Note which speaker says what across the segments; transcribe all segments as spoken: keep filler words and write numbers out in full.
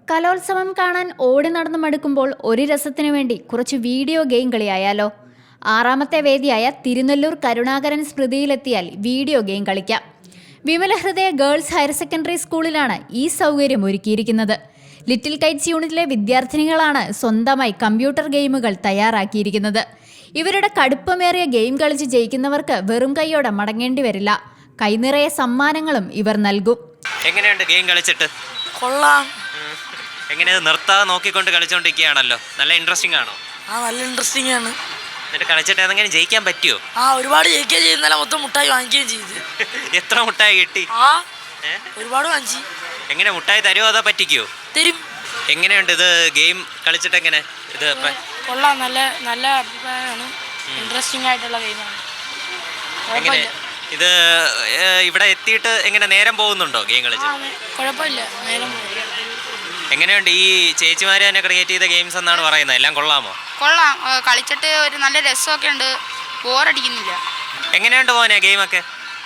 Speaker 1: കലോത്സവം കാണാൻ ഓടി നടന്നു മടുക്കുമ്പോൾ ഒരു രസത്തിനു വേണ്ടി കുറച്ച് വീഡിയോ ഗെയിം കളിയായാലോ? ആറാമത്തെ വേദിയായ തിരുനെല്ലൂർ കരുണാകരൻ സ്മൃതിയിലെത്തിയാൽ വീഡിയോ ഗെയിം കളിക്കാം. വിമലഹൃദയ ഗേൾസ് ഹയർ സെക്കൻഡറി സ്കൂളിലാണ് ഈ സൗകര്യം ഒരുക്കിയിരിക്കുന്നത്. ലിറ്റിൽ കൈറ്റ്സ് യൂണിറ്റിലെ വിദ്യാർത്ഥിനികളാണ് സ്വന്തമായി കമ്പ്യൂട്ടർ ഗെയിമുകൾ തയ്യാറാക്കിയിരിക്കുന്നത്. ഇവരുടെ കടുപ്പമേറിയ ഗെയിം കളിച്ച് ജയിക്കുന്നവർക്ക് വെറും കൈയോടെ മടങ്ങേണ്ടി വരില്ല. കൈനിറയെ സമ്മാനങ്ങളും ഇവർ നൽകും.
Speaker 2: എങ്ങനെയുണ്ട് ഗെയിം കളിച്ചിട്ട്?
Speaker 3: കൊള്ളാം.
Speaker 2: എങ്ങനെയത് നിർത്താതെ നോക്കിക്കൊണ്ട് കളിച്ചോണ്ടിരിക്കുകയാണല്ലോ. നല്ല ഇൻട്രസ്റ്റിംഗ് ആണോ?
Speaker 3: ആ, നല്ല ഇൻട്രസ്റ്റിംഗ് ആണ്.
Speaker 2: എന്നിട്ട് കളിച്ചിട്ട് ഏതെങ്കിലും ജയിക്കാൻ പറ്റുമോ?
Speaker 3: ആ, ഒരുപാട് ജയിക്കുകയും ചെയ്യുന്നല്ല, മൊത്തം മുട്ടായി വാങ്ങിക്കുകയും ചെയ്ത്.
Speaker 2: എത്ര മുട്ടായി കിട്ടി?
Speaker 3: ആ, ഒരുപാട് വാങ്ങിച്ചു.
Speaker 2: എങ്ങനെ മുട്ടായി തരുമോ അതോ പറ്റിക്കോ?
Speaker 3: തരും.
Speaker 2: എങ്ങനെയുണ്ട് ഇത് ഗെയിം കളിച്ചിട്ട്? എങ്ങനെ ഇത്?
Speaker 3: കൊള്ളാം, നല്ല നല്ല അഭിപ്രായമാണ്. ഇൻട്രസ്റ്റിംഗ് ആയിട്ടുള്ള ഗെയിമാണ്.
Speaker 2: എങ്ങനെ ഇത് ഇവിടെ എത്തിയിട്ട് എങ്ങനെ നേരം പോകുന്നുണ്ടോ ഗെയിം കളിച്ച്?
Speaker 3: കുഴപ്പമില്ല, നേരം പോകും.
Speaker 2: എങ്ങനെയുണ്ട് ഈ ചേച്ചിമാര് തന്നെ ക്രിയേറ്റ് ചെയ്ത ഗെയിംസ് എന്നാണ് പറയുന്നത്? എല്ലാം കൊള്ളാമോ?
Speaker 4: കൊള്ളാം, കളിച്ചിട്ട് ഒരു നല്ല രസമൊക്കെ ഉണ്ട്, ബോറടിക്കുന്നില്ല.
Speaker 2: എങ്ങനെയുണ്ട് മോനെ ഗെയിമൊക്കെ?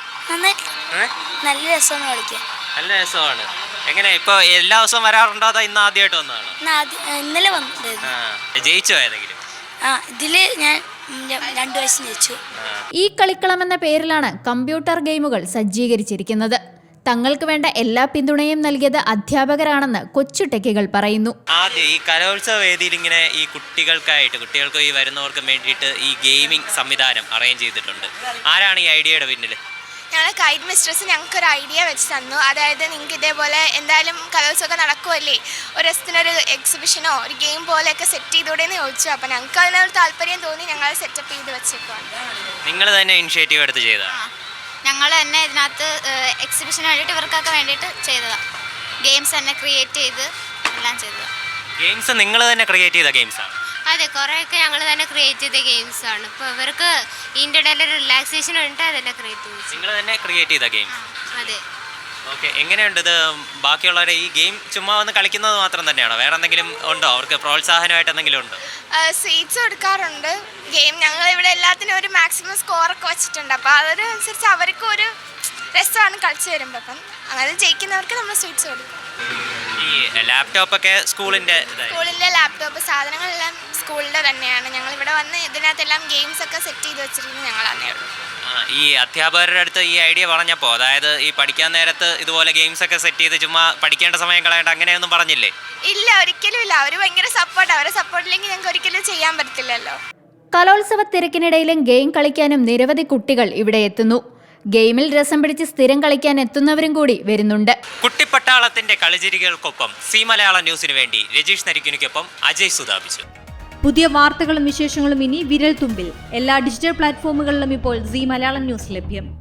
Speaker 5: നല്ല രസമാണ് കളിക്കാൻ.
Speaker 2: നല്ല രസമാണ്. എങ്ങനെ ഇപ്പൊ എല്ലാ ദിവസവും വരാറുണ്ടോ അതോ ഇന്ന് ആദ്യമായിട്ട് വന്നതാണോ?
Speaker 5: ഇന്നലെ വന്നിട്ട്.
Speaker 2: ജയിച്ചോ ഏതെങ്കിലും?
Speaker 5: ആ, ഇതില് ഞാൻ രണ്ടു വയസ്സ് ജയിച്ചു.
Speaker 1: ഈ കളിക്കളം എന്ന പേരിലാണ് കമ്പ്യൂട്ടർ ഗെയിമുകൾ സജ്ജീകരിച്ചിരിക്കുന്നത്. തങ്ങൾക്ക് വേണ്ട എല്ലാ പിന്തുണയും നൽകിയത് അധ്യാപകരാണെന്ന് കൊച്ചു ടെക്കികൾ പറയുന്നു.
Speaker 2: ആദ്യം ഈ കലോത്സവ വേദിയിൽ ഇങ്ങനെ ഈ കുട്ടികൾക്കായിട്ട് കുട്ടികൾക്ക് ഈ വരുന്നവർക്ക് വേണ്ടിയിട്ട് ഈ ഗെയിമിംഗ് സംവിധാനം അറേഞ്ച് ചെയ്തിട്ടുണ്ട്. ആരാണ് ഈ ഐഡിയയുടെ പിന്നിൽ?
Speaker 6: ഞങ്ങൾ കൈറ്റ് മിസ്ട്രസ് ഞങ്ങൾക്കൊരു ഐഡിയ വെച്ച് തന്നു. അതായത് നിങ്ങൾക്ക് ഇതേപോലെ എന്തായാലും കലോത്സവമൊക്കെ നടക്കുമല്ലേ, ഒരു രസത്തിനൊരു എക്സിബിഷനോ ഒരു ഗെയിം പോലെയൊക്കെ സെറ്റ് ചെയ്തൂടെ എന്ന് ചോദിച്ചു. അപ്പോൾ ഞങ്ങൾക്ക് അതിനൊരു താല്പര്യം തോന്നി ഞങ്ങൾ സെറ്റപ്പ് ചെയ്ത് വെച്ചേക്കുവാണ്.
Speaker 2: നിങ്ങൾ തന്നെ ഇനിഷ്യേറ്റീവ് എടുത്ത് ചെയ്തതാണ്?
Speaker 4: ഞങ്ങൾ തന്നെ ഇതിനകത്ത് എക്സിബിഷന് വേണ്ടിയിട്ട് ഇവർക്കൊക്കെ വേണ്ടിയിട്ട് ചെയ്തതാണ്. ഗെയിംസ് തന്നെ ക്രിയേറ്റ് ചെയ്ത് എല്ലാം ചെയ്തതാണ്.
Speaker 2: ഗെയിംസ് നിങ്ങൾ തന്നെ ക്രിയേറ്റ് ചെയ്ത ഗെയിംസാണ്?
Speaker 4: അതെ, കുറേയൊക്കെ ഞങ്ങൾ തന്നെ ക്രിയേറ്റ് ചെയ്ത ഗെയിംസ് ആണ്. ഇപ്പോൾ ഇവർക്ക് ഇതിൻ്റെ ഇടയിൽ റിലാക്സേഷൻ ഉണ്ട്, അതെല്ലാം ക്രിയേറ്റ് ചെയ്തു.
Speaker 2: നിങ്ങൾ തന്നെ ക്രിയേറ്റ് ചെയ്ത ഗെയിംസ്?
Speaker 4: അതെ.
Speaker 2: ഓക്കെ, എങ്ങനെയുണ്ട് ഇത്? ബാക്കിയുള്ളവരെ ഈ ഗെയിം ചുമ്മാ വന്ന് കളിക്കുന്നത് മാത്രം തന്നെയാണോ? വേറെ എന്തെങ്കിലും ഉണ്ടോ? അവർക്ക് പ്രോത്സാഹനമായിട്ട് എന്തെങ്കിലും ഉണ്ടോ?
Speaker 6: സ്വീറ്റ്സ് കൊടുക്കാറുണ്ട്. ഗെയിം ഞങ്ങൾ ഇവിടെ എല്ലാത്തിനും ഒരു മാക്സിമം സ്കോറൊക്കെ വെച്ചിട്ടുണ്ട്. അപ്പോൾ അതിനനുസരിച്ച് അവർക്കും ഒരു രസമാണ് കളിച്ച് വരുമ്പോൾ. അപ്പം അങ്ങനെ ജയിക്കുന്നവർക്ക് നമ്മൾ സ്വീറ്റ്സ് കൊടുക്കും.
Speaker 2: ഈ ലാപ്ടോപ്പൊക്കെ സ്കൂളിൻ്റെ
Speaker 6: സ്കൂളിൻ്റെ ലാപ്ടോപ്പ് സാധനങ്ങളെല്ലാം സ്കൂളിൻ്റെ തന്നെയാണ്. ഞങ്ങൾ ഇവിടെ വന്ന് ഇതിനകത്തെല്ലാം ഗെയിംസ് ഒക്കെ സെറ്റ് ചെയ്ത് വെച്ചിരിക്കുന്നത് ഞങ്ങൾ തന്നെയുള്ളൂ.
Speaker 2: ഈ അധ്യാപകരുടെ അടുത്ത് ഈ ഐഡിയ പറഞ്ഞപ്പോൾ, അതായത് ഈ പഠിക്കാൻ നേരത്ത് ഇതുപോലെ ഗെയിംസ് ഒക്കെ സെറ്റ് ചെയ്ത് ചുമ്മാ പഠിക്കേണ്ട സമയം കളയേണ്ട അങ്ങനെയൊന്നും പറഞ്ഞില്ലേ?
Speaker 6: ഇല്ല, ഒരിക്കലും ഇല്ല. അവർ ഭയങ്കര സപ്പോർട്ട്. അവരെ സപ്പോർട്ടില്ലെങ്കിൽ ഞങ്ങൾക്ക് ഒരിക്കലും ചെയ്യാൻ പറ്റത്തില്ലല്ലോ.
Speaker 1: കലോത്സവ തിരക്കിനിടയിലും ഗെയിം കളിക്കാനും നിരവധി കുട്ടികൾ ഇവിടെ എത്തുന്നു. ഗെയിമിൽ രസം പിടിച്ച് സ്ഥിരം കളിക്കാൻ എത്തുന്നവരും കൂടി വരുന്നുണ്ട്.
Speaker 2: കുട്ടിപ്പട്ടാളത്തിന്റെ കളിചിരികൾക്കൊപ്പം സി മലയാളം ന്യൂസിന് വേണ്ടി രജീഷ് നരിക്കുനിക്കൊപ്പം അജയ് സുധാപിച്ചു.
Speaker 7: പുതിയ വാർത്തകളും വിശേഷങ്ങളും ഇനി വിരൽ തുമ്പിൽ. എല്ലാ ഡിജിറ്റൽ പ്ലാറ്റ്ഫോമുകളിലും ഇപ്പോൾ സി മലയാളം ന്യൂസ് ലഭ്യം.